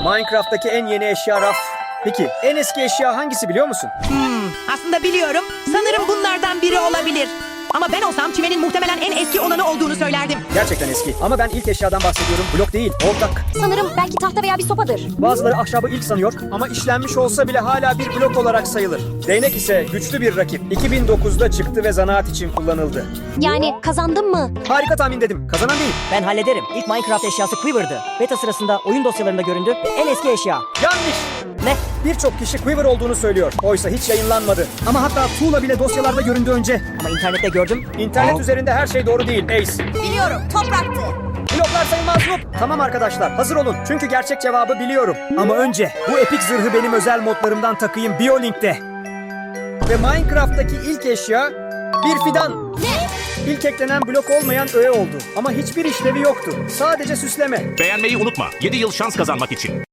Minecraft'taki en yeni eşya raf. Peki en eski eşya hangisi biliyor musun? Aslında biliyorum. Sanırım bunlardan biri olabilir. Ama ben olsam çimenin muhtemelen en eski olanı olduğunu söylerdim. Gerçekten eski. Ama ben ilk eşyadan bahsediyorum. Blok değil, ortak. Sanırım belki tahta veya bir sopadır. Bazıları ahşabı ilk sanıyor ama işlenmiş olsa bile hala bir blok olarak sayılır. Değnek ise güçlü bir rakip. 2009'da çıktı ve zanaat için kullanıldı. Yani kazandım mı? Harika tahmin dedim. Kazanan değil. Ben hallederim. İlk Minecraft eşyası Quiver'dı. Beta sırasında oyun dosyalarında göründü. En eski eşya. Yanlış. Ne? Birçok kişi Quiver olduğunu söylüyor. Oysa hiç yayınlanmadı. Ama hatta tuğla bile dosyalarda göründü önce. Ama internette gördüm. İnternet üzerinde her şey doğru değil Ace. Biliyorum, topraktı. Bloklar sayılmaz Noob. Tamam arkadaşlar hazır olun. Çünkü gerçek cevabı biliyorum. Ama önce bu epik zırhı benim özel modlarımdan takayım BioLink'te. Ve Minecraft'taki ilk eşya bir fidan. Ne? İlk eklenen blok olmayan öğe oldu. Ama hiçbir işlevi yoktu. Sadece süsleme. Beğenmeyi unutma. 7 yıl şans kazanmak için.